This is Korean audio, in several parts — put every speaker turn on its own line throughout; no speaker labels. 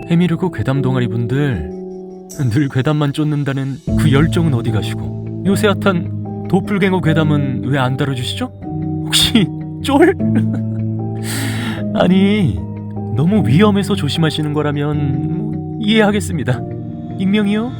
해미르고 괴담 동아리 분들, 늘 괴담만 쫓는다는 그 열정은 어디 가시고 요새 핫한 도플갱어 괴담은 왜 안 다뤄주시죠? 혹시 쫄? 아니, 너무 위험해서 조심하시는 거라면 이해하겠습니다. 익명이요?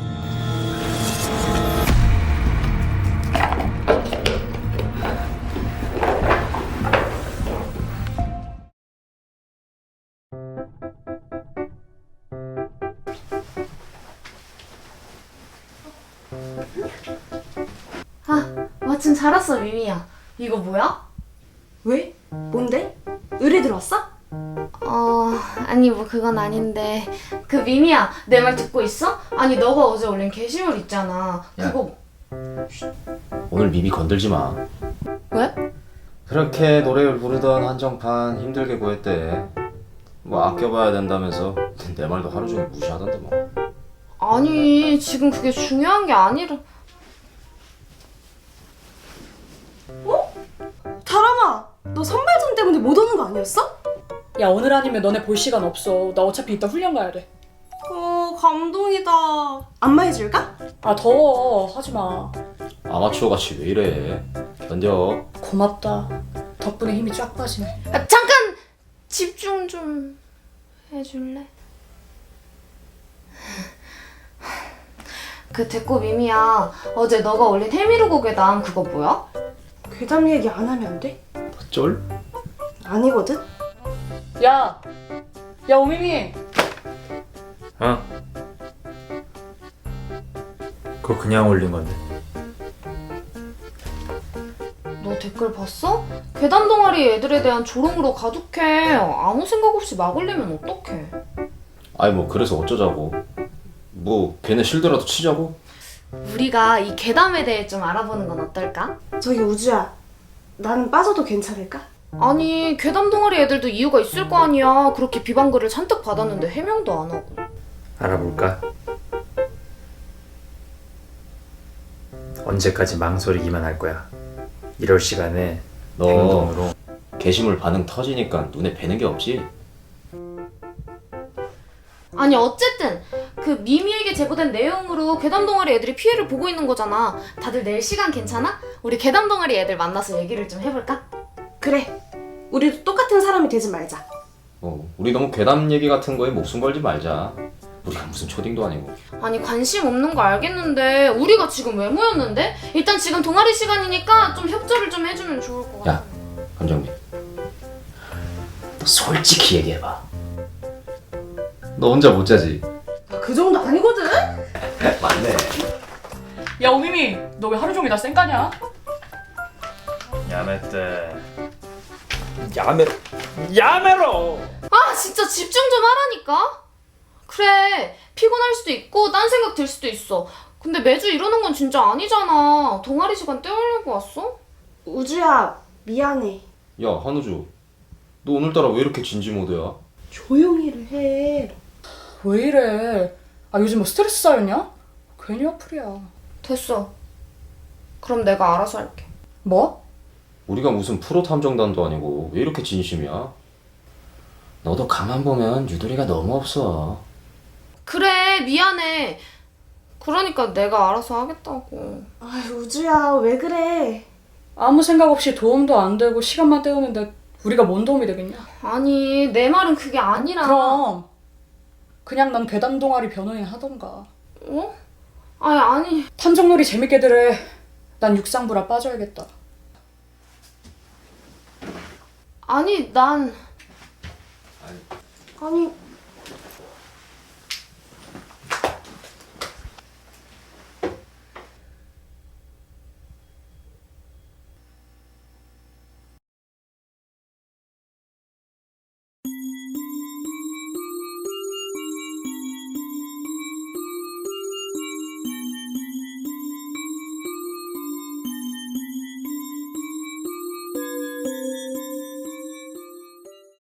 아, 마침 잘 왔어, 미미야. 이거 뭐야?
왜? 뭔데? 의뢰 들어왔어?
아니 뭐 그건 아닌데 그 미미야, 내 말 듣고 있어? 아니 너가 어제 올린 게시물 있잖아.
야.
그거
오늘 미미 건들지 마.
왜?
그렇게 노래를 부르던 한정판 힘들게 구했대. 뭐 아껴봐야 된다면서 내 말도 하루 종일 무시하던데 뭐.
아니 지금 그게 중요한 게 아니라.
다람아, 너 선발전 때문에 못 오는 거 아니었어?
야, 오늘 아니면 너네 볼 시간 없어. 나 어차피 이따 훈련 가야 돼.
감동이다. 안마해줄까?
아, 더워. 하지 마.
아마추어 같이 왜 이래. 견뎌.
고맙다. 덕분에 힘이 쫙 빠지네.
아, 잠깐 집중 좀 해줄래? 그 됐고 미미야, 어제 너가 올린 해미르고 괴담 그거 뭐야?
괴담 얘기 안 하면 안 돼?
쫄?
아니거든?
야! 야, 오미미!
어? 그거 그냥 올린 건데.
너 댓글 봤어? 괴담 동아리 애들에 대한 조롱으로 가득해. 아무 생각 없이 막 올리면 어떡해.
아니 뭐 그래서 어쩌자고. 뭐 걔네 실드라도 치자고?
우리가 이 괴담에 대해 좀 알아보는 건 어떨까?
저기 우주야, 나는 빠져도 괜찮을까?
아니 괴담 동아리 애들도 이유가 있을 거 아니야. 그렇게 비방글을 잔뜩 받았는데 해명도 안 하고.
알아볼까? 언제까지 망설이기만 할 거야. 이럴 시간에
너
행동으로.
게시물 반응 터지니까 눈에 뵈는 게 없지?
아니 어쨌든 그 미미에게 제보된 내용으로 괴담 동아리 애들이 피해를 보고 있는 거잖아. 다들 내일 시간 괜찮아? 우리 괴담 동아리 애들 만나서 얘기를 좀 해볼까?
그래, 우리도 똑같은 사람이 되지 말자.
우리 너무 괴담 얘기 같은 거에 목숨 걸지 말자. 우리가 무슨 초딩도 아니고.
아니 관심 없는 거 알겠는데 우리가 지금 왜 모였는데? 일단 지금 동아리 시간이니까 좀 협조를 좀 해주면 좋을 것 같아.
야, 감정민. 너 솔직히 얘기해봐. 너 혼자 못 자지?
그 정도 아니거든?
맞네.
야, 오미미! 너 왜 하루 종일 다 쌩까냐?
야매때. 야매로!
아 진짜 집중 좀 하라니까? 그래 피곤할 수도 있고 딴 생각 들 수도 있어. 근데 매주 이러는 건 진짜 아니잖아. 동아리 시간 때우려고 왔어?
우주야, 미안해.
야, 한우주. 너 오늘따라 왜 이렇게 진지 모드야?
조용히를 해.
왜 이래? 아, 요즘 뭐 스트레스 쌓였냐? 괜히 어플이야.
됐어. 그럼 내가 알아서 할게.
뭐?
우리가 무슨 프로 탐정단도 아니고 왜 이렇게 진심이야? 너도 가만 보면 유도리가 너무 없어.
그래 미안해. 그러니까 내가 알아서 하겠다고.
아이, 우주야, 왜 그래?
아무 생각 없이 도움도 안 되고 시간만 때우는데 우리가 뭔 도움이 되겠냐?
아니 내 말은 그게 아니라.
그럼 그냥 난 괴담 동아리 변호인 하던가.
어? 아니
탐정놀이 재밌게들 해. 난 육상부라 빠져야겠다.
아니 난
아니,